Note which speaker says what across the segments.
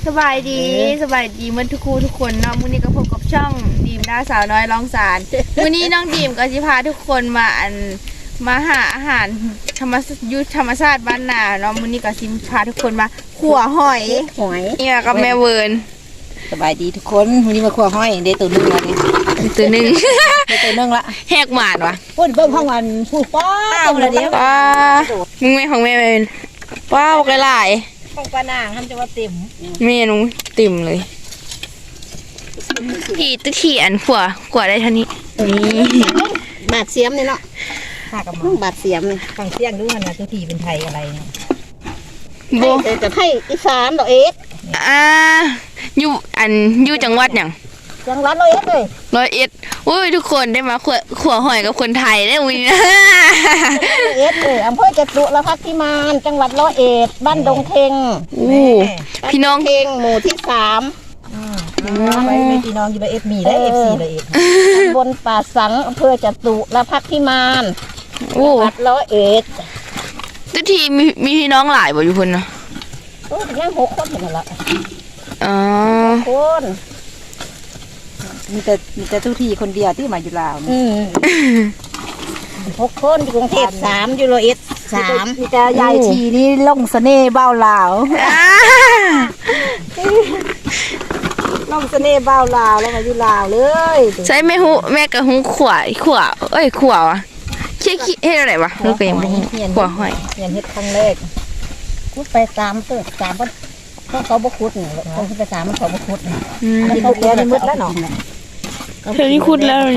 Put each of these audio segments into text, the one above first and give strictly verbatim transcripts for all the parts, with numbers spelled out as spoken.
Speaker 1: สบายดีสบายดีเหมือนทุกคู่ทุกคนเนาะมื้อนี้ก็พบกับช่องดีมดาสาวน้อยลองสารมื้อนี้น้องดีมก็สิพาทุกคนมาอันมาหาอาหารธรรมยุทธธรรมชาติบ้านนาเนาะมื้อนี้ก็สิพาทุกคนมาขั่วหอย
Speaker 2: หอย
Speaker 1: เนี่ยกับแม่เวิร์น
Speaker 2: สบายดีทุกคนวันนี้มาขั่วหอยได้ตัวนึงละนี่
Speaker 1: ตัวนึง
Speaker 2: ได้ตัวนึงละ
Speaker 1: แหกหมานวะ
Speaker 2: พุ่นเบิ่งข้างวันผู้ป้าตัวละเดียว
Speaker 1: ป้ามึงแม่ของแม่เป็นป้าบอกหลาย
Speaker 2: ของปลานางทำจะว่าเต็ม
Speaker 1: เมนูติ่มเลยพี่ตึกขี่อันขั่วขั่วได้เท่านี้นี่
Speaker 2: บาดเสียมนี่เนาะหากับบาดเสียมฝั่งเสียงดูขนาดตัวทีเป็นไทยอะไรเนี่ยโบจะไทยอีสานดอกเอ็ด
Speaker 1: อ่าอยู่อันอยู่จังหวัดอย่าง
Speaker 2: จังหวัดร้อยเอ็ดเลย
Speaker 1: ร้อยเอ็ดโอ้ยทุกคนได้มาขั่วขั่วหอยกับคนไทยได้อุ้ยนะ
Speaker 2: ร้อยเอ็ดเลยอำเภอจตุรพักษ์พิมานจังหวัดร้อยเอ็ดบ้านดงเทง
Speaker 1: อู้พี่น้อง
Speaker 2: เทงหมู่ที่สามไปในพี่น้องอยู่ร้อยเอ็ดมีและเอฟซีร้อยเอ็ดบนป่าสังอำเภอจตุรพักษ์พิมานจังหวัดร้อยเอ็ด
Speaker 1: ทุกทีมีมีพี่น้องหลายบ่อยู่คนเนาะ
Speaker 2: โอ้ยยังหกคนเห็นละ
Speaker 1: อ๋อ
Speaker 2: คนมีแต่มีแต่ทุกทีคนเดียวที่มาอยู่ลาวหกคนอยู่กรุงเทพสามอยู่ร้อยเอ็ดสามมีแต่ยายทีนี่ล่องเสน่ห์เบ้าลาวล่องเสน่ห์เบ้าลาวแล้วมาอยู่ลาวเลย
Speaker 1: ใช่แม่หูแม่กับหูขวายขวาเอ้ยขวาวะเชี่ยเฮ็ดอะไรวะลูกเป็นขวาหอย
Speaker 2: เรียนเฮ็ดครั้งแรกคุดไปสามเติบสามเพราะเขาบกุดเนี่ยเขาไปสามมันเขาบกุดอันนี้เขาแก่ในมืดแล้วเนาะ
Speaker 1: เธอนี่คุดแล้ว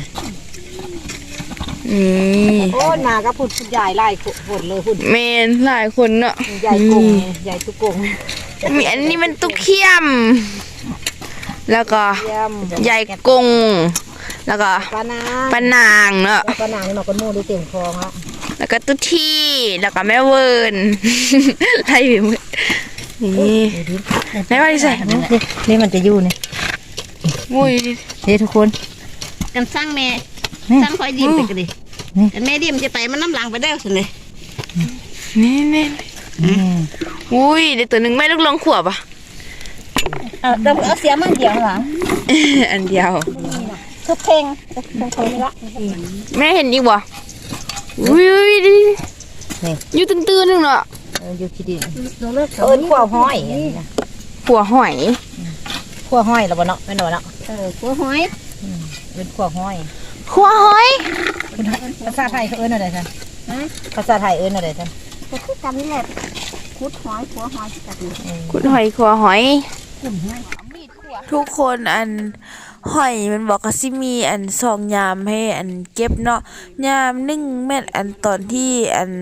Speaker 1: อืม
Speaker 2: โอ้นาก็พูดใหญ่หลายคนเลยพูด
Speaker 1: เมนหลายคนเนาะ
Speaker 2: ใหญ่กงใหญ่ตุกง
Speaker 1: มีอันนี้มันตุกเขี้ยมแล้วก็ใหญ่กงแล้วก็
Speaker 2: ปานาง
Speaker 1: ปานางเนาะ
Speaker 2: ปานางนี่มันก็โม่ได้เต็มคลองละ
Speaker 1: แล้วก็ตุที่แล้วก็แม่เวิร์นไล่ไปหมดนี่แม่ว่าดิใส่
Speaker 2: นี่มันจะอยู่นี่
Speaker 1: มุ้ย
Speaker 2: เฮ้ทุกคน
Speaker 3: กันสร้างแม่สร้างคอยดิมไปกันดิกันแม่ดิมจะไปมันน้ำหลังไปได้สิเนี่ย
Speaker 1: นี่นี่อุ้ยเดี๋ยวตัวหนึ่งแม่ลูกลองขวบอ่ะ
Speaker 2: เอาเอาเสียมันเดียวหรอ
Speaker 1: อันเดียว
Speaker 2: ทุกเพลงเพลงละ
Speaker 1: แม่เห็นอีกบ่อุ้ยดิอยู่ตื้นๆนึงเนาะ
Speaker 2: อยู่ที่ดินเอิญขั่วหอย
Speaker 1: ขั่วหอย
Speaker 2: ขั่วหอยแล้วบ่เนาะไม่หน่อยเนาะ
Speaker 3: เออขั่วหอย
Speaker 2: เป็นขั่วหอย
Speaker 1: ขั่วหอย
Speaker 2: ภาษาไทยเขาเอิญอะไรท่านภาษาไทยเอิญอะไรท่าน
Speaker 3: ก็คือกันนี่แหละขุดหอยขั่วหอยกัน
Speaker 1: ขุดหอยขั่วหอยทุกคนอันหอยมันบอกก็สิมีอันสองยามให้อันเก็บเนาะยามหนึ่งแม่นอันตอนที่อัน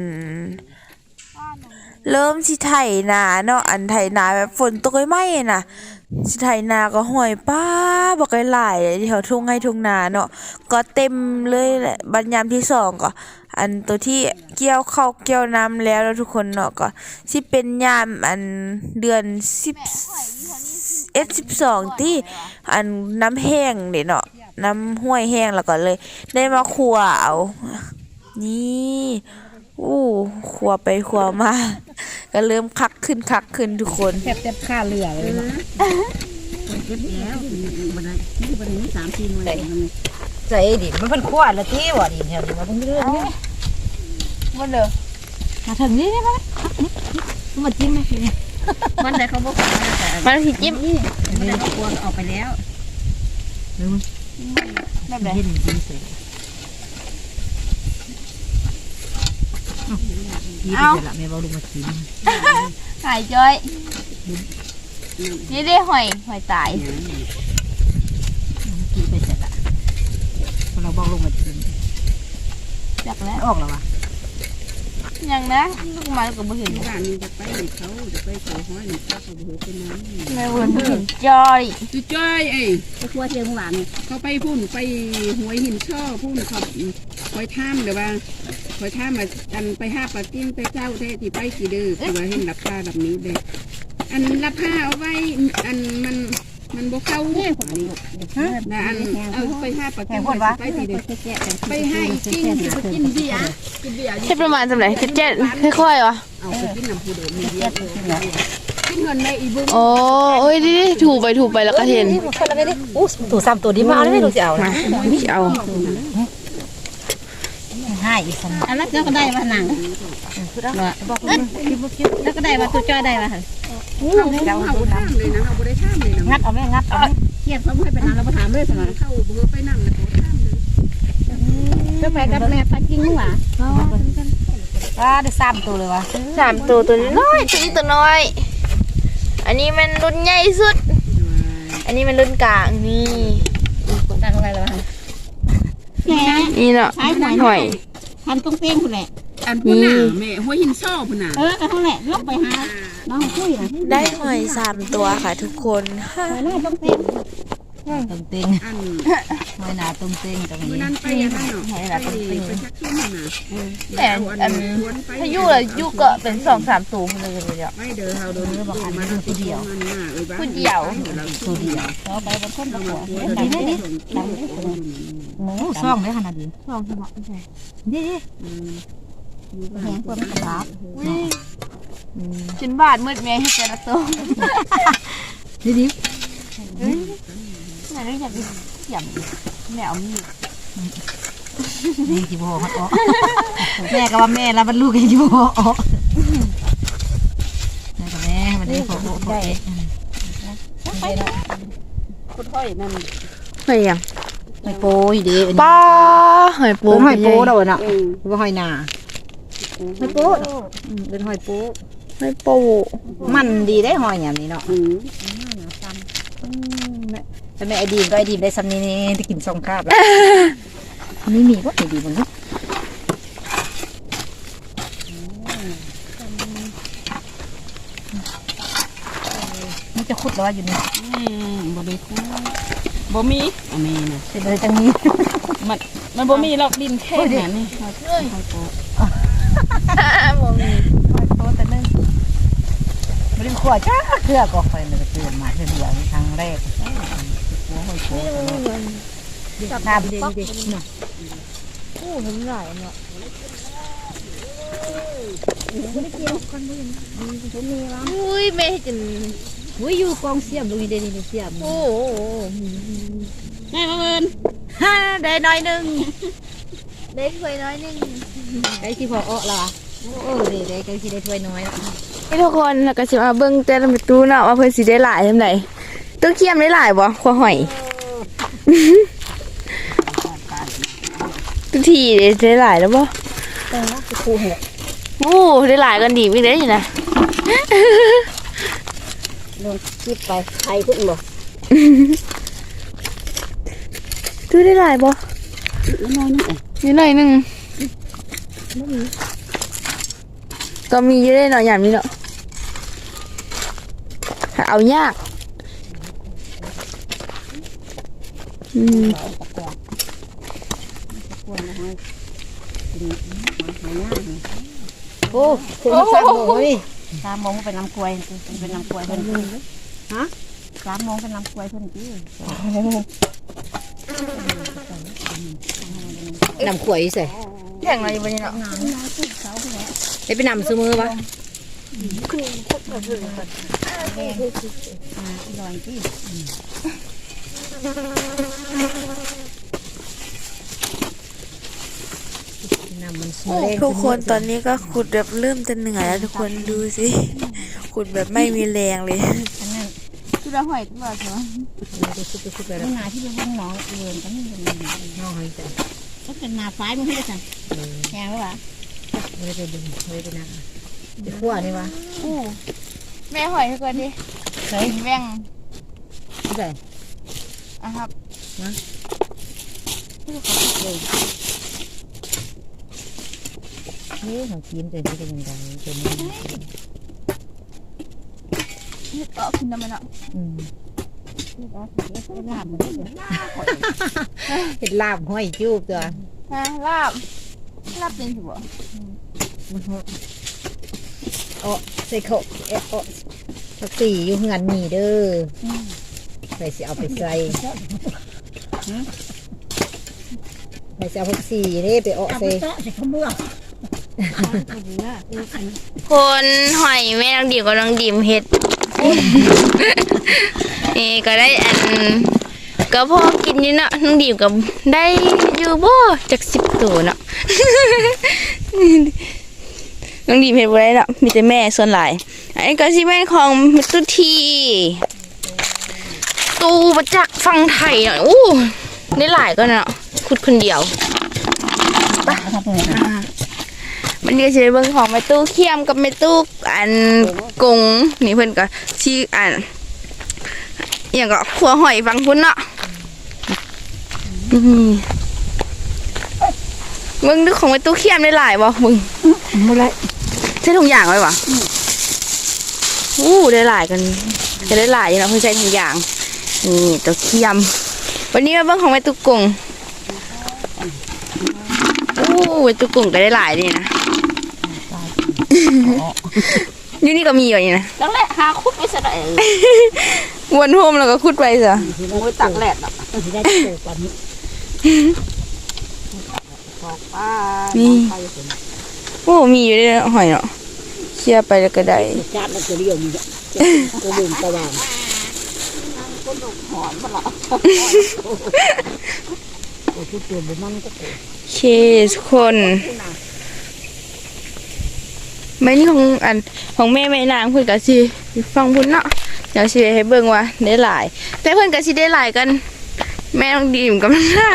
Speaker 1: เริ่มสิไถนาเนาะอันไถนาแบบฝนตกไม่ๆน่ะสิไถนาก็หอยป้าบอกหลายๆแถวทุ่งให้ทุ่งนาเนาะก็เต็มเลยแหละบัดยามที่สองก็อันตัวที่เกี่ยวเข้าเกี่ยวน้ำแล้วแล้วทุกคนเนาะก็สิเป็นยามอันเดือนสิบเอ็ดสิบสองที่อันน้ำแห้งเด้เนาะน้ำห้วยแห้งแล้วก็เลยได้มาคั่วเอานี่อู้ขัวไปขัวมาก็เริ่มคักขึ้นคักขึ้นทุกคน
Speaker 2: แทบแทบค่าเรือเลยนะ
Speaker 3: เก็บแล้วบันไดนี่บันไดนี่สามทีมาเลย
Speaker 2: ใจดิมันเป็นขั้วละที่วะดิแถวนี้มาเพิ่งเรื่องนี้
Speaker 1: มันเลย
Speaker 2: มาถึงนี่ได้ไหมนี่มาจิ้มไหม
Speaker 3: มันแต่เขาบอก
Speaker 1: มันผิดจิ้ม
Speaker 3: มันแต่เขากลัวออกไปแล้ว
Speaker 2: แบบไหนเห็นจริงเสร็จเอาแม่บอกลูกมากิน
Speaker 1: หายจ้อยนี่ได้หอยหอยตาย
Speaker 2: กินไปเสร็จละเราบอกลูกมากิน
Speaker 1: จักแล้ว
Speaker 2: ออกแล้ววะ
Speaker 1: ยังนะลูกมาลูกก็ไม่เห็น
Speaker 3: บ้านนี้จะไปเขาจะไปเขาห้อยหนึ่งเขาเขาโหเป็นน้ำ
Speaker 1: แม่วนเห็นจ้อย
Speaker 3: จุจ้อยเอ้ไปครัวเทียมหวานเขาไปพุ่นไปหวยหินช่อพุ่นเขาคอยท่ามเดี๋ยวว่าคอยท่ามมาอันไปห้าปลากิ้งไปเจ้าเทที่ไปกี่เดือแต่ว่าเห็นรับผ้าแบบนี้เด็กอันรับผ้าเอาไว้อันมันมันบกเข้าเนี่ยนะอันเอาไปห้าปลากิ้งไปกี่เดือไปห้ากิ้งไปกินเบียร์กินเบียร์
Speaker 1: ใช่ประมาณสำหรับเจ็ดค่อยๆวะ
Speaker 3: เอาไปกินน้ำผู้เดิมมีเบียร์กินเงินในอีบุ้ง
Speaker 1: อ๋อเอ้ยดิถูไปถูไปแล้วก็เห็น
Speaker 2: คนละไม่ได้อู้ถูสามตัวนี้มาแล้วไม่รู้จะเอานะ
Speaker 1: นี่เอา
Speaker 2: ให้อีกคนอันนั้นก็ได้ว่าหนังบอกแล้วก็ได้ว่าตัวจ้อยได้ว่า
Speaker 3: เราเอาท่ามเลยนะเราไม่ได้ท่ามเลยนะ
Speaker 2: งัดเอาไหมงัดเอาไหม
Speaker 3: เทียบเขาให้ไปนานเราไปถามเลยสนะเข้าเบอร์ไปนั่งเลยขอท่ามเลย
Speaker 2: ก็ไปกับแม่ปักกิ้งหว่าว่าได้สามตัวเลยวะ
Speaker 1: สามตัวตัวน้อยตัวนี้ตัวน้อย อันนี้มันรุ่นใหญ่สุด อันนี้มันรุ่นกลางนี่
Speaker 2: ตั้งอะไรเลยวะแม่
Speaker 1: นี่เนาะหอย
Speaker 2: ทำตรงเป้งคุณแหละ
Speaker 3: อันพุ่นน่ะแม่หัวหินซ่อพุ่นน่ะ
Speaker 2: เออก็เท่าแหละลงไปหาน้องคุยนะ
Speaker 1: ได้หอยสามตัวค่ะทุกคน
Speaker 2: หน้าตรงเป้งตรงเป้ง
Speaker 3: อัน
Speaker 2: หอยหนาตรงเป้งตรง
Speaker 3: มื่อ
Speaker 2: นี้
Speaker 3: นั้นไปยังไงเนาะไปไปชักขึ้นน่ะ
Speaker 1: แต่อันถ้ายู่ละยู่ก็เป็นสองสามตัวเลยเดียว
Speaker 3: ไม่เด้อเฮาโดนบอกมาดูตัวเดียวมันน่ะเอ้ยบ้า
Speaker 1: ผู้เดียว
Speaker 2: ตัวเดียวเราไปบนต้นตะกั่ว
Speaker 3: ตัว
Speaker 2: นี่
Speaker 3: เดียว
Speaker 2: นี่
Speaker 3: นี่
Speaker 2: หมูซ่องได้ขนาดนี้ซ่องใช่ไหมนี่แหงเพื่อมันกระลาบ
Speaker 1: ชิ้นบาทมืดแม่ให้แต่ละตัว
Speaker 2: นี่ดิ
Speaker 1: ไหนเรื่องอยากกินเสี่ยมแมวมี
Speaker 2: นี่จีโบเขาอ๋อแม่ก็ว่าแม่แล้วมันลูกกันอยู่อ๋อแม่กับแม่มันได้โผล่โผล่
Speaker 3: คุณพ่อยนั่น
Speaker 1: หอยยัง
Speaker 2: หอยโป้ยดี
Speaker 1: ป้าหอยปู
Speaker 2: หอยโป้เราเนาะ
Speaker 3: เออ
Speaker 2: ว่าหอยนาหอยโป้เป็นหอยโป้
Speaker 1: หอยปู
Speaker 2: มันดีได้หอยอย่างนี้เนาะ
Speaker 3: อืม
Speaker 2: แต่แม่ไอดีมก็ไอดีมได้ซ้ำนี้นี่ได้กินสองคราบแล้วนี่มีว่าไอดีมมันนี่มันจะคุดแล้วอยู่นี่
Speaker 3: อืมบ่ได้คู่บ่มีอันนี้น่ะ
Speaker 2: เป็นอะไรจังนี้
Speaker 3: มันมันบ่มีหรอกดินแค่นั้นนี่หอยโป๊
Speaker 1: มองนี่
Speaker 2: หอยโป้แต่นึ่งไม่ได้ขวดจ้าเครือก็คอยเลยเตือนมาเดียวครั้งแรกหัวหอยโป้จับน้ำดีดีเนาะ
Speaker 1: โอ้เห็นหลายเนาะ อุ้ยแม่ให้จิน
Speaker 2: อุ้ยอยู่กองเสียมตรงนี้ได้นี่เสียม
Speaker 1: โอ้
Speaker 3: แม่มาเอิญ
Speaker 2: ฮ่าได้น้อยนึง
Speaker 1: ได้ถ้วยน้อยหนึง
Speaker 2: ไอ้ที่พออ้อละโอ้เด็กๆก็ที่ได้ถ้วยน้อย
Speaker 1: นี่ทุกคนแล้วก็สิมาเบิ่งแต่ละประตูเนาะว่าเพิ่นสิได้หลายเท่าใดตัวเคียมได้หลายบ่ขัวหอยทุกทีได้หลายแล้วบ่
Speaker 2: แต่ว่าครูเหรอ
Speaker 1: โอ้ได้หลายกันดีมีได้อยู่นะ
Speaker 2: ลงคลิปไปไทยขึ้นบ่
Speaker 1: ตัวได้หลายบ่
Speaker 3: น้อยนึงเอ้
Speaker 1: นิดหน่อยหนึงก็มีอยู่ได้เนาะยามนี้เนาะหาเอายากอืม
Speaker 2: โอ้คุณสามโมงนี่สามโมงเป็นน้ำกล้วยเป็นน้ำกล้วยเพิ่นฮะสามโมงเป็นน้ำกล้วยเพิ่นพี่น้ำกล้วยใส่
Speaker 1: แข่งอะไรอยู่บ่นี่เนาะ
Speaker 2: ได้ไปนำซื้อมือปะนำมันซื้อ
Speaker 1: ทุกคนตอนนี้ก็ขุดแบบเริ่มจะเหนื่อยแล้วทุกคนดูสิขุดแบบไม่มีแรงเลย
Speaker 3: คือเราหอยตัวเถอะ
Speaker 2: ไปซุปไปซุปไปแล้ว
Speaker 3: นาที่เป็นห้องน้องเอิญก็ไม่เป็นไร
Speaker 2: น้อยจ้ะ
Speaker 3: ก็เป็นนาฟ้ายมันให้ได้สั่งแหงหรือเปล่า
Speaker 2: ไม่ได้ไปดึงไม่ได้ไปนั่งไปขั้วนี่วะ
Speaker 1: อู้แม่หอยทุกคนดิ
Speaker 2: ใส่
Speaker 1: แว่ง
Speaker 2: ใส่
Speaker 1: อ่ะครับ
Speaker 2: นี่ของกินเป็นที่เป็นยังไงเป็นนี่
Speaker 1: นี่เออขึ้นน้ำมันเนาะ
Speaker 2: อืม
Speaker 3: ลาบมันได้
Speaker 2: เห็ดลาบห้อยจูบตัว
Speaker 1: ฮะลาบลาบเป็นสิบ่
Speaker 2: มันหอเออใส่เขาเออผักสีอยู่เฮือนนี่เด้อใส่สิเอาไปใส่ใส่สิเอาผักสีเด้ไปเออใส่
Speaker 1: คนหอยแม่นางดิมกับนางดิมเฮ็ด
Speaker 4: นี่ก็ได้อันก็พอกินอยู่เนาะน้องดีมก็ได้อยู่บ่จักสิบตัวเนาะ น้องดีมเฮ็ดบ่ได้เนาะมีแต่แม่ส่วนหลายอันนี้ก็สิแม่นของมิตุทีตูมาจากฝั่งไทยเนาะอู้ได้หลายก็เนาะขุดคนเดียวไปอ่ามันก็สิได้เบิ่งของแม่ตู้เคียมกับแม่ตู้อันกงนี่เพิ่นก็สิอันอหย่างก็ขัวหอยฟังพุ่นเนาะอืมมึงดูของไอ้ตู้เคียมได้หลายบ่มึง
Speaker 2: บ่ได้
Speaker 4: ใช้ถุงยางไว้บ่อู้ได้หลายกันจะได้หลายอยู่นะเพิ่งใช้ถุงยางนี่ตู้เคียมวันนี้มาเบิ่งของไอ้ตู้กงอู้ไอ้ตู้กงก็ได้หลายนี่นะอยู่นี่ก็มีอยู่นี่นะ
Speaker 3: จังแหละหาคุดไว้ซะได้
Speaker 4: วนโฮมแล้วก็ขุดไปซะ
Speaker 3: โอ้ยตักแหลดเนาะ
Speaker 2: สิได้โตปานนี้
Speaker 3: บอกป้า
Speaker 4: นี่โอ้มีอยู่ด้วยหอยเนาะเชี่ยไปแล้วก็ได้
Speaker 2: จานมันจะเรียวมีก็เบิ่งตะวัน
Speaker 3: หอนบ่ล่ะ
Speaker 2: โอ้ทุกตัวบ่มันก็โต
Speaker 4: โอเคทุกคนไม่นี่ของอันของแม่แม่นางเพิ่นก็สิฟังพุ่นเนาะเดี๋ยวสิให้เบิ่งว่าได้หลาย แต่เพิ่นก็สิได้หลายกัน แม่ต้องดีมกับได้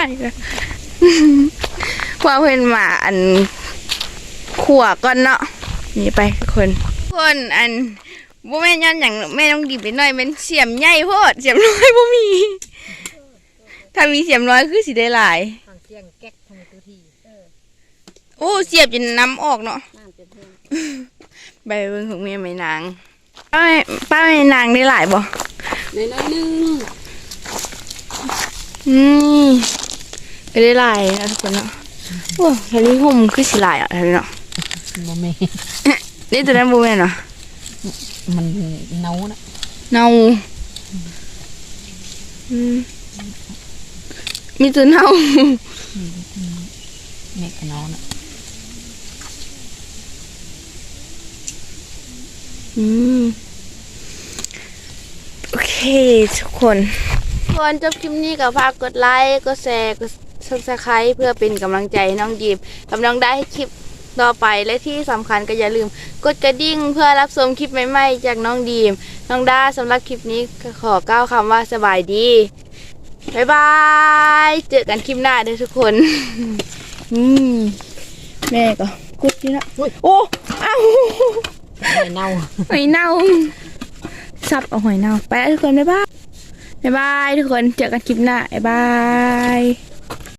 Speaker 4: ว่าเพิ่นมาอันขัวก่อนเนาะนี่ไปทุกคนทุกคนอันบ่แม่นย้อนหยังแม่ต้องดีไปหน่อยเป็นเสียมใหญ่โพดเสียมน้อยบ่มี ถ้ามีเสียมน้อยคือสิได้หลาย
Speaker 2: ทางเสียงแก๊กทางตัวที่
Speaker 4: โอ้เสียบจนน้ำออกเนาะใบเบิ่งของแม่ไม่นางป้าแม่ป้าแม่นางได้หลายบ่
Speaker 3: น้อยๆนึง
Speaker 4: อืมก็ได้หลายนะทุกคนเนาะโอ้แค่นี้ห่มคือสิหลายอ่ะแค่นี้เนาะ
Speaker 2: บ่แม่
Speaker 4: นี่ตัวนั้นบ่แม่นเนาะ
Speaker 2: มันเนานะ
Speaker 4: เน่าอืมมีตัวเน่า
Speaker 2: แม่ก็เนานะ
Speaker 4: อืมโอเคทุกคนก่อนจบคลิปนี้ก็ฝากกดไลค์กดแชร์กด ซับสไครบ์เพื่อเป็นกำลังใจให้น้องดีมกำลังได้คลิปต่อไปและที่สำคัญก็อย่าลืมกดกระดิ่งเพื่อรับชมคลิปใหม่ๆจากน้องดีมน้องดาสำหรับคลิปนี้ก็ขอกล่าวคำว่าสบายดีบ๊ายบายเจอกันคลิปหน้าเด้อทุกคน อืมแม่ก็กุดอยู่นะโอ้อ้าว
Speaker 2: หอยเน่า
Speaker 4: หอยเน่าซับเอาหอยเน่าไปแล้วทุกคนบ๊ายบายบ๊ายบายทุกคนเจอกันคลิปหน้าบ๊ายบาย